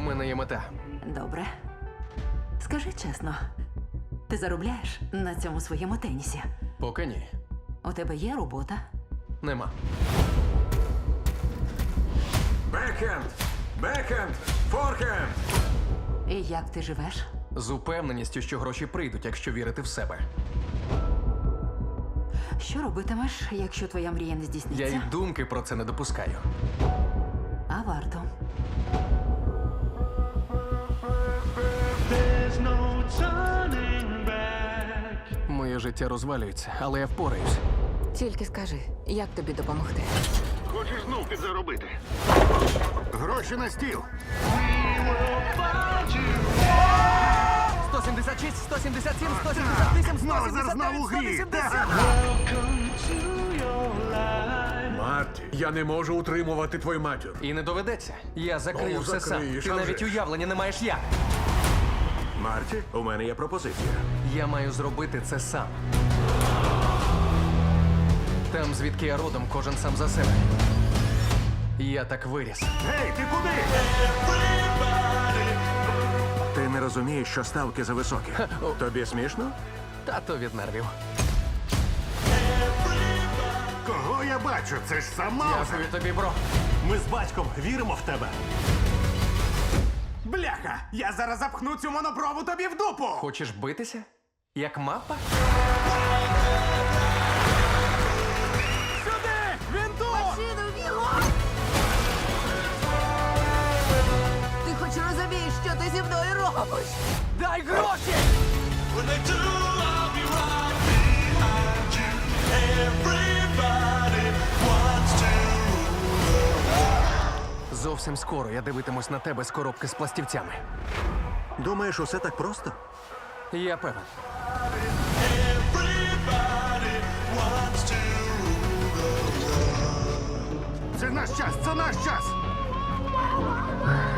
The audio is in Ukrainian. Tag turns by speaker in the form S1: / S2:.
S1: мене є мета.
S2: Добре. Скажи чесно, ти заробляєш на цьому своєму тенісі?
S1: Поки ні.
S2: У тебе є робота?
S1: Нема.
S3: Бекхенд! Бекхенд! Форхенд!
S2: І як ти живеш?
S1: З упевненістю, що гроші прийдуть, якщо вірити в себе.
S2: Що робитимеш, якщо твоя мрія не
S1: Я
S2: здійсниться?
S1: й думки про це не допускаю.
S2: А варто.
S4: There's no turning back.
S1: Моє життя розвалюється, але я впораюсь.
S5: Тільки скажи, як тобі допомогти?
S6: Хочеш знов підзаробити? Гроші на стіл.
S1: 176, 177, 178,
S6: Знову
S1: 179,
S6: у грі.
S1: 180.
S4: Welcome to your life.
S3: Марті, я не можу утримувати твою матір.
S1: І не доведеться. Я закрию
S3: Ну,
S1: все сам.
S3: закриєш,
S1: Ти
S3: а
S1: навіть
S3: вже ж.
S1: уявлення не маєш як.
S3: Марті, у мене є пропозиція.
S1: Я маю зробити це сам. Там, звідки я родом, кожен сам за себе. Я так виріс.
S6: Гей, ти куди?
S3: Ти не розумієш, що ставки зависокі. Тобі смішно?
S1: Тато від нервів.
S6: Кого я бачу? Це ж сам Маузер.
S1: Дякую тобі, бро.
S7: Ми з батьком віримо в тебе.
S8: Бляха! Я зараз запхну цю монопрову тобі в дупу!
S1: Хочеш битися? Як мапа?
S8: Сюди! Він тут!
S5: Ти хоч розумієш, що ти зі мною робиш?
S1: Дай гроші!
S4: When they do, I'll be right behind you. Everybody wants to.
S1: Зовсім скоро я дивитимусь на тебе з коробки з пластівцями.
S3: Думаєш, усе так просто?
S1: Я певен.
S4: Everybody wants to.
S6: Це наш час, це наш час.